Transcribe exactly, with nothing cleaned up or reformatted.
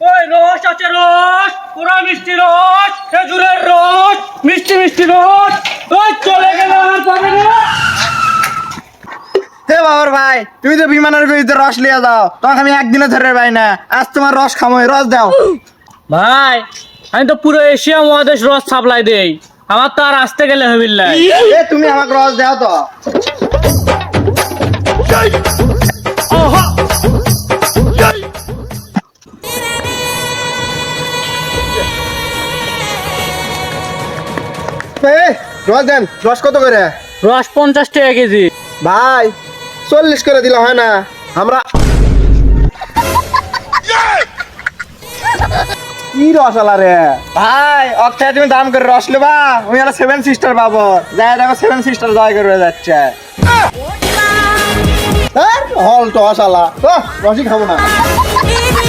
ওই রস আছে রস, পুরা মিষ্টি রস, খেজুরের রস, মিষ্টি মিষ্টি রস। ওই চলে গেল আর পাবে না। হে বাবার ভাই, তুমি তো বিমানের বিরুদ্ধে রস লিয়ে যাও, তোমাকে আমি একদিনে ধরে পাই না। আজ তোমার রস খামো, রস দাও। ভাই আমি তো পুরো এশিয়া মহাদেশ রস সাপ্লাই দেই, আমার তো আর আসতে গেলে হবিল না। এ তুমি আমাকে রস দাও তো। এ, রস দেন। রস কত করে? রস পঞ্চাশ টাকা কেজি। ভাই চল্লিশ করে দিলে হয় না? আমরা কি রস আলা রে ভাই, অক্ষয় তুমি দাম করে রস নেবা, আমি আর সেভেন সিস্টার পাবো। যাই দেখো সেভেন সিস্টার জয় করে যাচ্ছে। হল তো আসালা, রসই খাবো না।